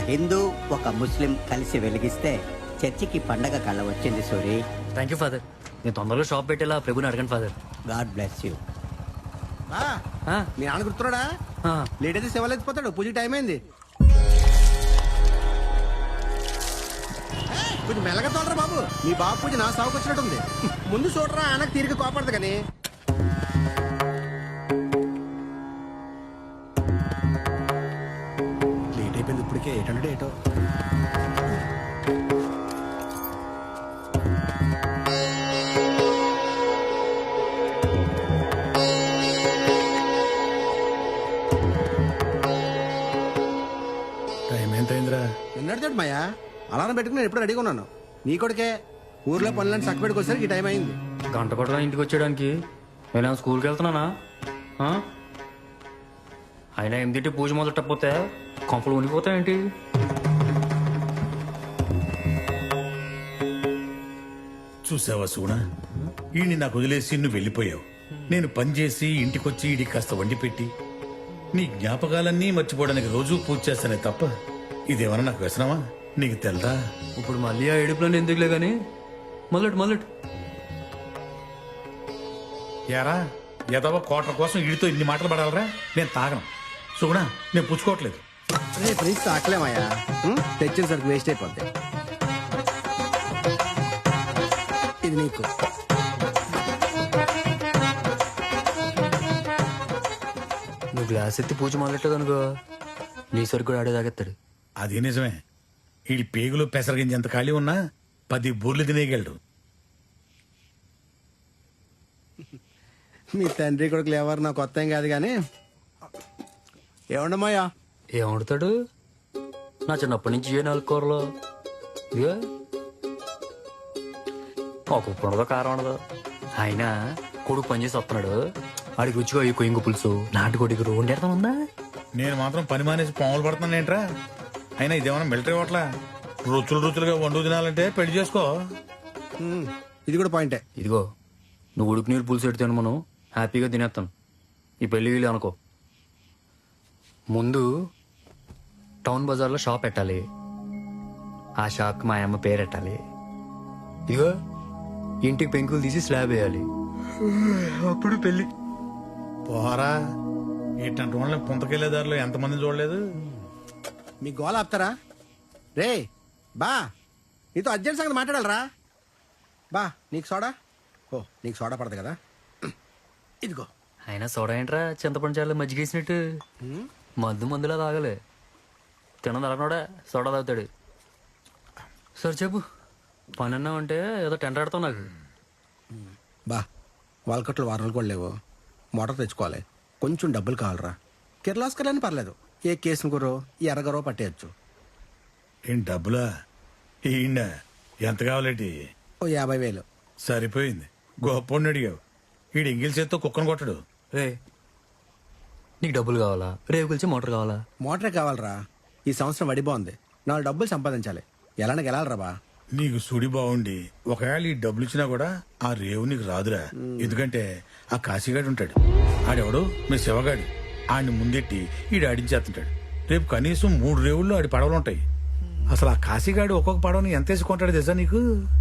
హిందూ ఒక ముస్లిం కలిసి వెలిగిస్తే చర్చికి పండగ కళ వచ్చింది సూరి. Thank you father. నేను తొందరలో షాప్ పెట్టేలా ప్రభుని అడగండి ఫాదర్. God bless you. మీ నాన్న గుర్తున్నాడా? లేట్ అయితే సేవలు ఎత్తిపోతాడు. పూజ టైం అయింది. కొంచెం మెల్లగా తోడరా బాబు. మీ బాబు పూజ నా సాగుకు వచ్చినట్టుంది. ముందు చూడరా, ఆయనకు తీరిక కోపడదు కానీ. లేట్ అయిపోయింది ఇప్పటికే. 800 ఏటో. టైం ఎంత అయిందిరా? నిన్నటితోటి మాయా అలారం పెట్టుకుని నేను ఎప్పుడు రెడీగా ఉన్నాను. నీ కొడుకే ఊర్లో పనులను చక్కబెట్టుకు వచ్చేసరికి ఈ టైం అయింది. గంట కూడా ఇంటికి వచ్చేయడానికి నేను స్కూల్కి వెళ్తున్నానా? అయినా ఏమిటి పూజ మొదలెట్టకపోతే కొంపలు ఉనిపోతాయేంటి? చూసావా సూనా, ఈయన్ని నాకు వదిలేసి నువ్వు వెళ్ళిపోయావు. నేను పనిచేసి ఇంటికొచ్చి ఈడికి కాస్త వండి పెట్టి నీ జ్ఞాపకాలన్నీ మర్చిపోవడానికి రోజూ పూజ చేస్తానే తప్ప ఇదేమన్నా నాకు వ్యసనమా? నీకు తెల్దా? ఇప్పుడు మళ్ళీ ఆ ఏడుపులని ఎందుకులే గాని మొదలెట్టు. యారా ఎదవ కోట్ల కోసం వీడితో ఇన్ని మాటలు పడాలరా? నేను తాగను సుగుణా, నేను పుచ్చుకోవట్లేదు. రేపు నుంచి తాకలేమయ్యా. తెచ్చిన సరికి వేస్ట్ అయిపోద్ది. ఇది నీకు. నువ్వు గ్లాస్ ఎత్తి పూజ మొదలెట్టదు అనుకో, నీ సరికి కూడా ఆడే తాగెత్తాడు. అది నిజమే. వీడి పేగులు పెసరగించి ఎంత ఖాళీ ఉన్నా 10 బూర్లు తినేయగలడు. మీ తండ్రి కొడుకులు ఎవరు నాకు కొత్త ఏం కాదు కానీ ఏమండమాయా? ఏం వండుతాడు? నా చిన్నప్పటి నుంచి ఏ 4 కూరలు ఇదిగో ఒక ఉప్పు ఉండదో కారం ఉండదు. అయినా కొడుకు పనిచేసి వస్తున్నాడు, ఆడికి రుచిగా ఈ కొయ్యింగు పులుసు నాటుకోడికి వండేడతాం ఉందా? నేను మాత్రం పని మానేసి పాములు పడుతున్నాను ఏంట్రా? అయినా ఇదేమన్నా మిలిటరీ హోటలా? రుచులుగా వండు తినాలంటే పెళ్లి చేసుకో. ఇది కూడా పాయింటే. ఇదిగో నువ్వు ఉడుకు నీళ్ళు పులుసు పెడితే మనం హ్యాపీగా తినేస్తాను. ఈ పెళ్లి వీళ్ళు అనుకో. ముందు టౌన్ బజార్లో షాప్ పెట్టాలి. ఆ షాప్కి మా అమ్మ పేరు పెట్టాలి. ఇదిగో ఇంటికి పెంకులు తీసి స్లాబ్ వేయాలి. అప్పుడు పెళ్లి. పోరా, ఏంటంటే వాళ్ళని పుంతకెళ్లే దారిలో ఎంతమంది చూడలేదు. మీ గోల ఆపుతారా? రే బా, నీతో అర్జెంట్ సంగతి మాట్లాడాలరా. బా నీకు సోడా. ఓ నీకు సోడా పడదు కదా, ఇదిగో. అయినా సోడా ఏంట్రా, చింతపండు చాలు మజ్జిగేసినట్టు మందులా తాగలే. తినదు అలనోడా సోడా తాగుతాడు. సరే చెప్పు, పని అన్నావంటే ఏదో టెండర్ ఆడతావు నాకు. బా వాల్కట్లు వారాలు కూడా లేవు. మోటార్ తెచ్చుకోవాలి. కొంచెం డబ్బులు కావాలరా. కిర్లాస్కర్ అని పర్లేదు. ఏ కేసును గురో ఎర్రగరో పట్టేయచ్చు. ఏం డబ్బులా? ఈయన ఎంత కావాలేంటి? ఓ 50,000. సరిపోయింది. గొప్పని అడిగావు. ఈడు ఎంగిల్ చేత్తో కుక్కను కొట్టడు. రే నీకు డబ్బులు కావాలా? రేపు కలిసి మోటార్ కావాలా? మోటరే కావాలరా. ఈ సంవత్సరం వడి బాగుంది. 4 డబ్బులు సంపాదించాలి. ఎలానకి వెళ్ళాలరా బా. నీకు సుడి బాగుండి ఒకవేళ ఈ డబ్బులు ఇచ్చినా కూడా ఆ రేవు నీకు రాదురా. ఎందుకంటే ఆ కాశీగాడు ఉంటాడు. ఆడెవడు మీ శివగాడు. ఆడిని ముందెట్టి ఈడు ఆడించేస్తుంటాడు. రేపు కనీసం 3 రేవుల్లో ఆడి పడవలు ఉంటాయి. అసలు ఆ కాశీగాడు ఒక్కొక్క పడవని ఎంత వేసుకుంటాడు తెలుసా నీకు?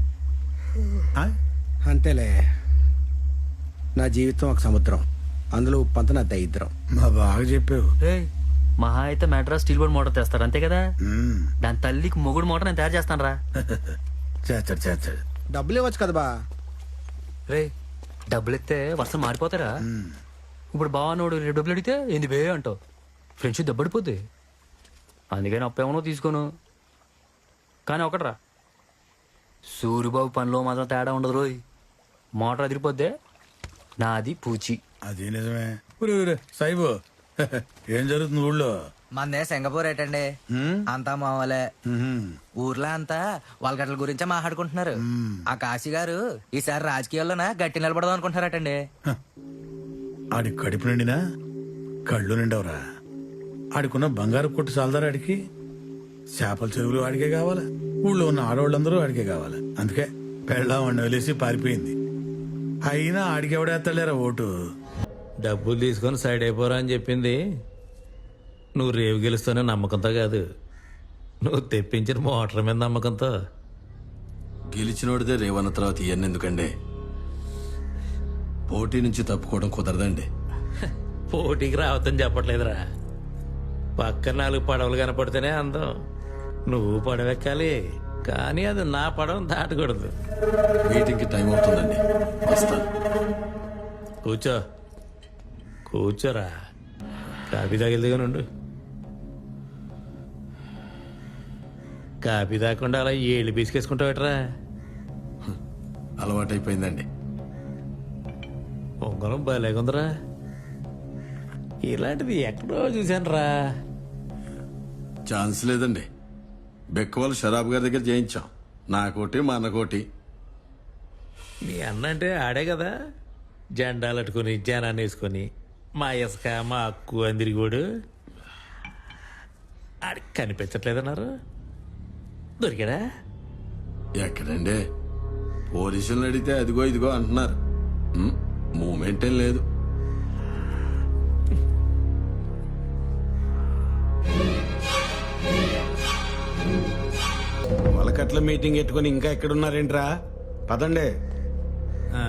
అంతేలే, నా జీవితం ఒక సముద్రం. అందులో ఉప్పంత నా దరిద్రం. మా బాగా చెప్పావు. రే మహా అయితే మెడ్రాస్ స్టీల్ బోర్డ్ మోటార్ తెస్తాడు అంతే కదా. మ్మ్. దాని తల్లికి మొగుడు మోటార్ నేను తయారు చేస్తాను రా. చేస్తాడు. డబ్బులు ఇవ్వచ్చు కదా బా. రే డబ్బులు ఇస్తే వర్షం మారిపోతారా? ఇప్పుడు బావనోడు రేపు డబ్బులు అడిగితే ఏంది బే అంటావు. ఫ్రెండ్షిప్ దెబ్బడిపోద్ది. అందుకని అప్పేమనో తీసుకోను. కానీ ఒకట్రా, సూరిబాబు పనిలో మాత్రం తేడా ఉండదు రోయ్. మోటార్ అదిరిపోద్దే నాది పూచి. అదే నిజమే. సాయిబు ఏం జరుగుతుంది ఊళ్ళో? మందే సింగపూర్ ఏటండి, అంతా మామూలే. ఊర్లో అంతా వాళ్ళగట్ల గురించే మాట్లాడుకుంటున్నారు. ఆ కాశీ గారు ఈసారి రాజకీయాల్లోనా గట్టి నిలబడదాం అనుకుంటున్నారటండి. ఆడి కడుపు నిండినా కళ్ళు నిండవరా? ఆడికున్న బంగారు కొట్టు చాలదారా? ఆడికి చేపల చెరువులు ఆడికే కావాలా? ఊళ్ళో ఉన్న ఆడవాళ్ళందరూ ఆడికే కావాలా? అందుకే పెళ్ళామని వదిలేసి పారిపోయింది. అయినా ఆడికి ఎవడేస్తాలేరా ఓటు? డబ్బులు తీసుకొని సైడ్ అయిపోరా అని చెప్పింది నువ్వు రేవు గెలుస్తానే నమ్మకంతో కాదు, నువ్వు తెప్పించిన మోటార్ మీద నమ్మకంతో గెలిచినోడిదే రేవన్న తర్వాత ఇవన్నీ ఎందుకండి? పోటీ నుంచి తప్పుకోవడం కుదరదండి. పోటీకి రావద్దని చెప్పట్లేదురా. పక్కన 4 పడవలు కనపడితేనే అందం. నువ్వు పడవెక్కాలి, కానీ అది నా పడవ దాటకూడదు. మీటింగ్కి టైం అవుతుందండి, వస్తాను. కూర్చో, కూర్చోరా. కాఫీ తాగిల్దిగా నుండు. కాఫీ తాగకుండా అలా ఏళ్ళు బీసుకేసుకుంటావేట్రా? అలవాటైపోయిందండి. పొంగలం భలేగుందిరా. ఇలాంటిది ఎక్కడో చూశాను రా. ఛాన్స్ లేదండి. బెక్కవాళ్ళు షరాబ్ గారి దగ్గర చేయించాం. నాకోటి మా అన్నకోటి. మీ అన్న అంటే ఆడే కదా, జెండాలు అట్టుకుని జనాన్ని వేసుకొని మా ఇసుక మా అక్కు అందిరిగోడు. ఆడికి కనిపించట్లేదన్నారు. దొరికాడా? ఎక్కడండి? పోలీసులను అడిగితే అదిగో ఇదిగో అంటున్నారు. మూమెంట్ ఏం లేదు. వలకట్ల మీటింగ్ పెట్టుకుని ఇంకా ఎక్కడున్నారేంట్రా? పదండి. ఆ.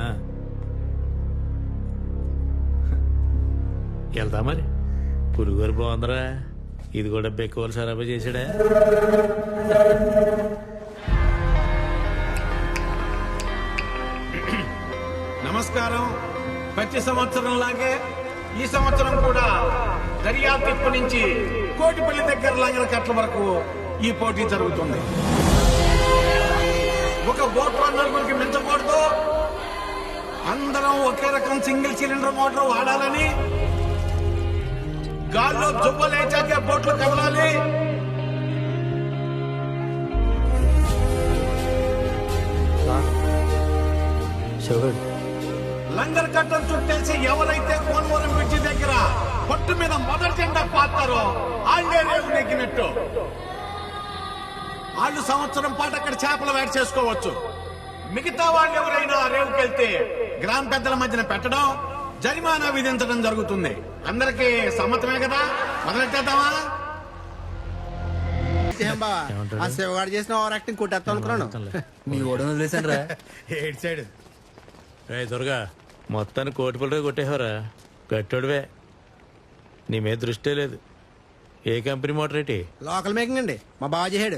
వెళ్తా మరి. పురుగోరు బాగుందిరా. ఇది కూడా బెక్కువలు సరఫరా చేసాడా? నమస్కారం. ప్రతి సంవత్సరం లాగే ఈ సంవత్సరం కూడా దర్యాప్తిప్పు నుంచి కోటిపల్లి దగ్గర లంగల కట్ల వరకు ఈ పోటీ జరుగుతుంది. ఒక బోట్లో 4 మించకూడదు. అందరం ఒకే రకం సింగిల్ సిలిండర్ మోటార్ వాడాలని, గాల్లో దుబ్బలేచాకే బోట్లు కదలాలి. లంగర్ కట్టలు చుట్టేసి ఎవరైతే కోనవరం బ్రిడ్జి దగ్గర పట్టు మీద మొదటి జెండా పాతారో వాళ్ళే రేవు నెగ్గినట్టు. వాళ్ళు సంవత్సరం పాటు అక్కడ చేపల వేట చేసుకోవచ్చు. మిగతా వాళ్ళు ఎవరైనా రేవుకెళ్తే గ్రామ పెద్దల మధ్యన పెట్టడం, జరిమానా విధించడం జరుగుతుంది. అందరికీ సమ్మతమే కదా? మొదలెట్టేద్దామా? ఏం బావా, ఆ శివగాడు చేసిన ఓవర్ యాక్టింగ్ కొట్టేస్తాం అనుకున్నాను. మీ ఓడను వదిలేశాను రా. ఏడు సైడ్ రే దుర్గా, మొత్తాన్ని కోటిపల్లిగా కొట్టేవరా. గట్టోడివే, నీ మీద దృష్టే లేదు. ఏ కంపెనీ మోటార్ ఏంటి? లోకల్ మేకింగ్ అండి, మా బావ చేసాడు.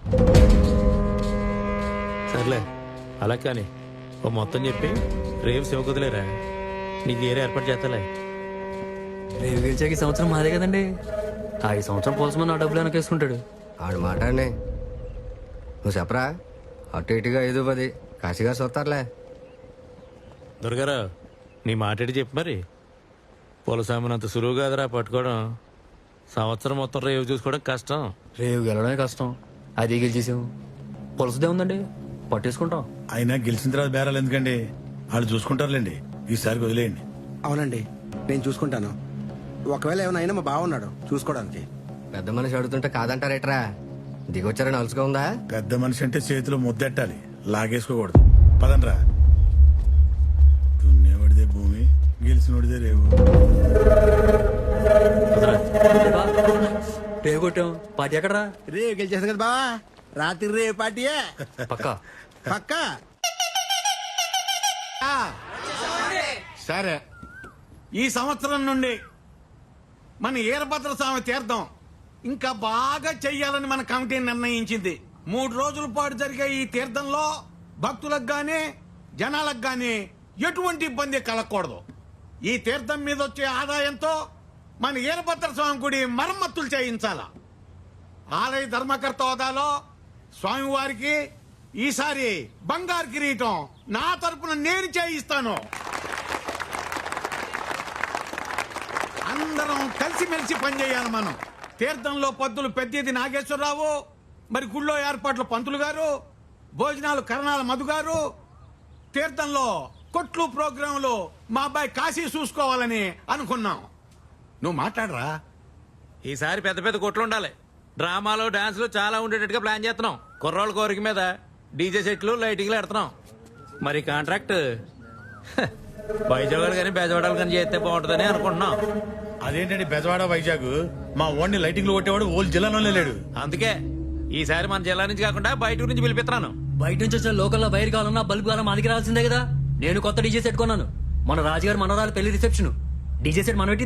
సర్లే, అలా కానీ ఓ మొత్తం చెప్పి రేపు శివకుదిలేరా. నీకు ఏరే ఏర్పాటు చేస్తాలే. రేపు గెలిచాక ఈ సంవత్సరం మాదే కదండి. ఈ సంవత్సరం పోల్సమని నా డబ్బులు వెనకేసుకుంటాడు. ఆడు మాట అండి. నువ్వు చెప్పరా, అటు ఇటుగా 5-10 కాశీగా చూస్తారులే. దుర్గారావు, నీ మాట్లాడి చెప్పు మరి. పొలసామినంత సులువు కాదురా పట్టుకోవడం. సంవత్సరం మొత్తం రేవు చూసుకోవడం కష్టం. రేపు గెలవడమే కష్టం. అది గెలిచేసాం. పొలసదే ఉందండి, పట్టేసుకుంటాం. అయినా గెలిచిన తర్వాత బేరాలు ఎందుకండి? వాళ్ళు చూసుకుంటారులేండి. ఈసారికి వదిలేయండి. అవునండి, నేను చూసుకుంటాను. ఒకవేళ ఏమైనా అయినా మా బావ ఉన్నాడు చూసుకోవడానికి. పెద్ద మనిషి అడుగుతుంటే కాదంటారేట్రా? దిగొచ్చారని అలుసుగా ఉందా? పెద్ద మనిషి అంటే చేతిలో ముద్దెట్టాలి, లాగేసుకోకూడదు. పదండ్రా. దున్నేవాడిదే భూమి, గెలిచినోడిదే రేవు. రేపు కొట్టాం. పార్టీ ఎక్కడరా? రేపు గెలిచేసాం కదా బావా, రాత్రి రేపు పార్టీయే పక్కా. పక్కా. సరే, ఈ సంవత్సరం నుండి మన ఈరభద్ర స్వామి తీర్థం ఇంకా బాగా చెయ్యాలని మన కమిటీ నిర్ణయించింది. 3 రోజుల పాటు జరిగే ఈ తీర్థంలో భక్తులకు గాని జనాలకు గాని ఎటువంటి ఇబ్బంది కలగకూడదు. ఈ తీర్థం మీద వచ్చే ఆదాయంతో మన ఈరభద్ర స్వామి గుడి మరమ్మతులు చేయించాల. ఆలయ ధర్మకర్త హోదాలో స్వామివారికి ఈసారి బంగారు కిరీటం నా తరపున నేను చేయిస్తాను. అందరం కలిసిమెలిసి పనిచేయాలి. మనం తీర్థంలో పద్దులు పెద్దది నాగేశ్వరరావు, మరి గుళ్ళో ఏర్పాట్లు పంతులు గారు, భోజనాలు కరణాల మధు గారు, తీర్థంలో కొట్లు ప్రోగ్రాంలు మా అబ్బాయి కాశీ చూసుకోవాలని అనుకున్నాం. నువ్వు మాట్లాడరా. ఈసారి పెద్ద పెద్ద కొట్లు ఉండాలి. డ్రామాలు డాన్సులు చాలా ఉండేటట్టుగా ప్లాన్ చేస్తున్నాం. కుర్రోళ్ళ కోరిక మీద డీజే సెట్లు లైటింగ్లు పెడుతున్నాం. మరి కాంట్రాక్ట్ వైజాగ్ కానీ బెజవాడలు కానీ చేస్తే బాగుంటుందని అనుకుంటున్నాం. అదేంటండి బెజవాడ వైజాగ్? మా ఓన్ని లైటింగ్లు కొట్టేవాడు ఓల్ జిల్లాలోనే లేడు. అందుకే ఈసారి మన జిల్లా నుంచి కాకుండా బయట నుంచి పిలిపిస్తున్నాను. బయట నుంచి వచ్చిన లోకల్లో వైర్ కావాలన్నా బల్బు కావాలన్నా మనకి రావాల్సిందే కదా. నేను కొత్త డీజే సెట్ కొన్నాను. మన రాజుగారు మనవరాలు పెళ్లి రిసెప్షన్ డీజే సెట్ మనం